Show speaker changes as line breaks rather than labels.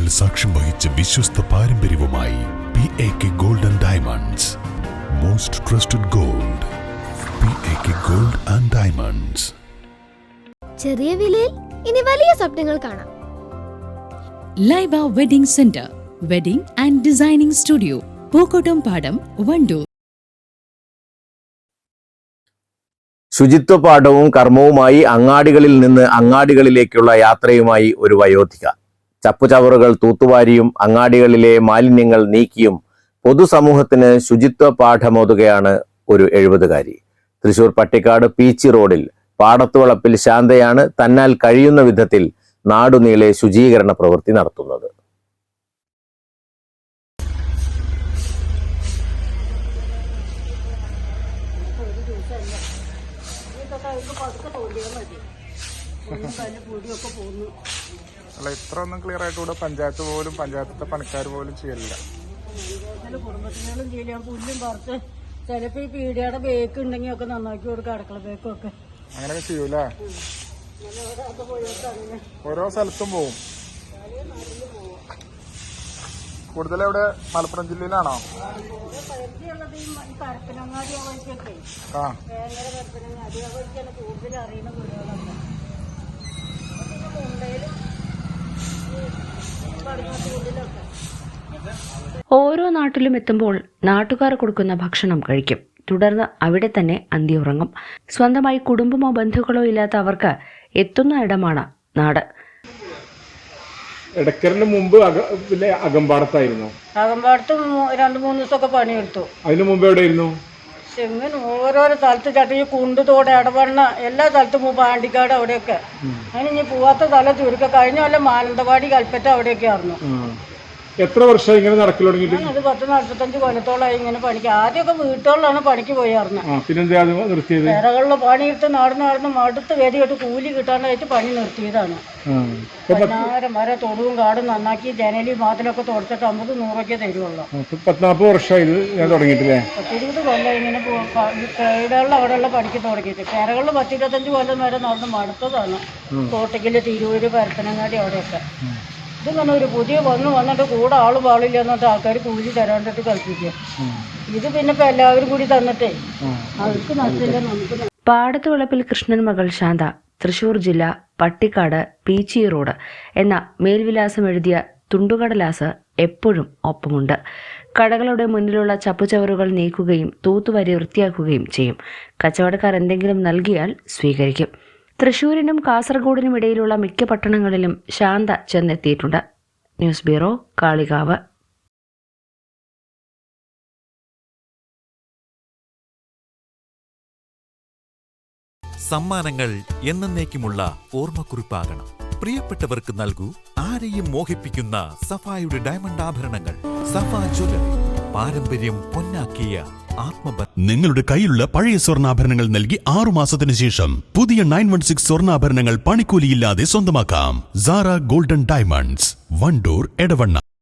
പതിറ്റാണ്ടുകൾ സാക്ഷ്യം വഹിച്ച വിശ്വസ്ത പാരമ്പര്യവുമായി PAK Gold and Diamonds. Most trusted gold. PAK Gold and Diamonds.
ചെറിയ വിലയിൽ ഇനി വലിയ സ്വപ്നങ്ങൾ കാണാം.
Laiba wedding centre, wedding and designing studio, Pookkottumpadam, Wandoor.
ശുചിത്വ പാഠവും കർമ്മവുമായി അങ്ങാടികളിൽ നിന്ന് അങ്ങാടികളിലേക്കുള്ള യാത്രയുമായി ഒരു വയോധിക. ചപ്പുചവറുകൾ തൂത്തുവാരിയും അങ്ങാടികളിലെ മാലിന്യങ്ങൾ നീക്കിയും പൊതുസമൂഹത്തിന് ശുചിത്വ പാഠമോതുകയാണ് ഒരു 70-കാരി. തൃശൂർ പട്ടിക്കാട് പീച്ചി റോഡിൽ പാടത്തുവളപ്പിൽ ശാന്തയാണ് തന്നാൽ കഴിയുന്ന വിധത്തിൽ നാടുനീളെ ശുചീകരണ പ്രവൃത്തി നടത്തുന്നത്.
അല്ല, ഇത്ര ഒന്നും ക്ലിയർ ആയിട്ട് ഇവിടെ പഞ്ചായത്ത് പോലും പഞ്ചായത്തിലെ പണിക്കാർ പോലും ചെയ്യലില്ല.
കുടുംബത്തിനും ചെയ്യാൻ പുല്ലും പറിച്ച് ചിലപ്പോ ഈ പീടിയുടെ ബേക്ക് ഉണ്ടെങ്കിൽ ഒക്കെ നന്നാക്കി കൊടുക്കുക, അടുക്കള ബേക്കൊക്കെ
അങ്ങനെയൊക്കെ ചെയ്യൂലേ? ഓരോ സ്ഥലത്തും പോവും. കൂടുതൽ എവിടെ? മലപ്പുറം ജില്ലയിലാണോ?
പരപ്പനങ്ങാടി വഴിക്കൊക്കെ
ആ
ഭയങ്കര പരപ്പനങ്ങാടി വഴിക്കാണ് കൂടുതൽ അറിയുന്ന വീടുകളൊക്കെ. മുണ്ടയിലും പടിഞ്ഞാത്തൂരിലൊക്കെ
ഓരോ നാട്ടിലും എത്തുമ്പോൾ നാട്ടുകാർ കൊടുക്കുന്ന ഭക്ഷണം കഴിക്കും. തുടർന്ന് അവിടെ തന്നെ അന്തിയുറങ്ങും. സ്വന്തമായി കുടുംബമോ ബന്ധുക്കളോ ഇല്ലാത്ത അവർക്ക് എത്തുന്ന ഇടമാണ് നാട്.
എടക്കറിന് മുമ്പ് അകമ്പാടത്തായിരുന്നു.
അകമ്പാടത്ത് 2-3 ദിവസമൊക്കെ പണിയെടുത്തു.
അതിന് മുമ്പ് എവിടെയായിരുന്നു?
ചെങ്ങനെ ഓരോരോ സ്ഥലത്ത് ചട്ടി കുണ്ടുതോടെ ഇടപെടണ എല്ലാ സ്ഥലത്തും പാണ്ടിക്കാട് അവിടെയൊക്കെ. അതിന് ഇനി പോവാത്ത സ്ഥലം ചുരുക്കം. കഴിഞ്ഞ കൊല്ലം മാനന്തവാടി കൽപ്പറ്റ അവിടെയൊക്കെ ആയിരുന്നു.
എത്ര വർഷം ഇങ്ങനെ നടക്കൽ തുടങ്ങിയിട്ട്?
അത് 40-45 കൊല്ലത്തോളമായി ഇങ്ങനെ പണിക്ക്. ആദ്യമൊക്കെ വീട്ടുകളിലാണ് പണിക്ക് പോയായിരുന്നു.
പിന്നെന്താ നിർത്തിയത്?
വിറകളില് പണിയെടുത്ത് നടന്ന് മടുത്ത് ഗതികെട്ട് കൂലി കിട്ടാണ്ടായിട്ട് പണി നിർത്തിയതാണ്. 16 വരെ തൊടുവും കാടും നന്നാക്കി ജനലി മാത്തിലൊക്കെ തുടച്ചിട്ട് 50-100 തരുവുള്ളൂ.
40 വർഷമായി ഞാൻ തുടങ്ങിയിട്ടില്ലേ?
20 കൊല്ലം ഇങ്ങനെ വീടുകളിൽ അവിടെയുള്ള പണിക്ക് തുടങ്ങിയിട്ട്. പെരകളിൽ 10-25 കൊല്ലം വരെ നടന്ന് മടുത്തതാണ്. കോട്ടയ്ക്കല്, തിരൂര്, പരപ്പനങ്ങാടി അവിടെയൊക്കെ. ഇതിങ്ങനെ ഒരു പുതിയ വന്നിട്ട് കൂടെ ആള് പാളില്ല എന്നിട്ട് ആൾക്കാർ കൂലി തരാണ്ടിട്ട് കൽപ്പിക്കുക. ഇത് പിന്നെ ഇപ്പൊ എല്ലാവരും കൂടി തന്നിട്ടേ അവർക്ക് നഷ്ടമില്ല, നമുക്ക്.
പാടത്തുവളപ്പിൽ കൃഷ്ണൻ മകൾ ശാന്ത, തൃശൂർ ജില്ല, പട്ടിക്കാട് പീച്ചി റോഡ് എന്ന മേൽവിലാസം എഴുതിയ തുണ്ടുകടലാസ് എപ്പോഴും ഒപ്പമുണ്ട്. കടകളുടെ മുന്നിലുള്ള ചപ്പുചവറുകൾ നീക്കുകയും തൂത്തുവാരി വൃത്തിയാക്കുകയും ചെയ്യും. കച്ചവടക്കാർ എന്തെങ്കിലും നൽകിയാൽ സ്വീകരിക്കും. തൃശൂരിനും കാസർഗോഡിനും ഇടയിലുള്ള മിക്ക പട്ടണങ്ങളിലും ശാന്ത ചെന്നെത്തിയിട്ടുണ്ട്. News bureau, Kalikavu.
സമ്മാനങ്ങൾ എന്നേക്കുമുള്ള ഓർമ്മക്കുറിപ്പാകണം. പ്രിയപ്പെട്ടവർക്ക് നൽകൂ ആരെയും മോഹിപ്പിക്കുന്ന സഫായുടെ ഡയമണ്ട് ആഭരണങ്ങൾ. സഫ ജ്വല്ലറി, പാരമ്പര്യം പൊന്നാക്കിയ ആത്മബന്ധം.
നിങ്ങളുടെ കയ്യിലുള്ള പഴയ സ്വർണ്ണാഭരണങ്ങൾ നൽകി 6 മാസത്തിന് ശേഷം പുതിയ 916 സ്വർണ്ണാഭരണങ്ങൾ പണിക്കൂലിയില്ലാതെ സ്വന്തമാക്കാം. Sara golden diamonds, Wandoor, Edavanna.